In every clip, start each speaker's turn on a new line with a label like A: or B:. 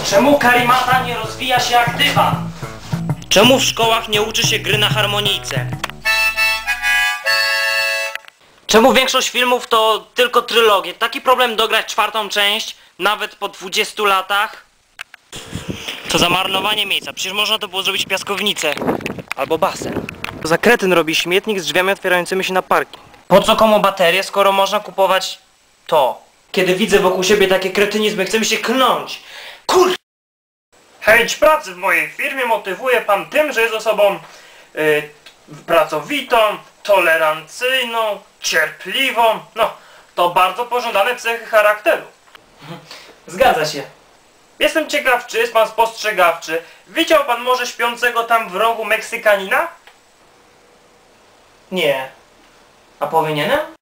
A: Czemu karimata nie rozwija się jak dywan? Czemu w szkołach nie uczy się gry na harmonijce? Czemu większość filmów to tylko trylogie? Taki problem dograć czwartą część, nawet po 20 latach? To za marnowanie miejsca, przecież można to było zrobić piaskownicę. Albo basen. To za kretyn robi śmietnik z drzwiami otwierającymi się na parking. Po co komu baterie, skoro można kupować to? Kiedy widzę wokół siebie takie kretynizmy, chce mi się klnąć. Chęć pracy w mojej firmie motywuje pan tym, że jest osobą pracowitą, tolerancyjną, cierpliwą. No, to bardzo pożądane cechy charakteru. Zgadza się. Jestem ciekaw, czy jest pan spostrzegawczy. Widział pan może śpiącego tam w rogu Meksykanina? Nie. A powinienem?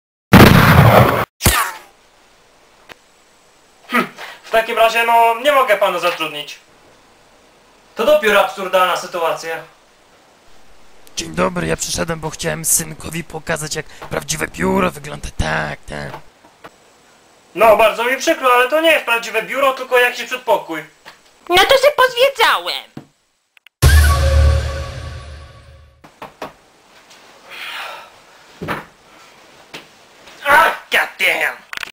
A: W takim razie, no, nie mogę pana zatrudnić. To dopiero absurdalna sytuacja.
B: Dzień dobry, ja przyszedłem, bo chciałem synkowi pokazać, jak prawdziwe biuro wygląda. Tak.
A: No, bardzo mi przykro, ale to nie jest prawdziwe biuro, tylko jakiś przedpokój.
C: No to się pozwiedzałem.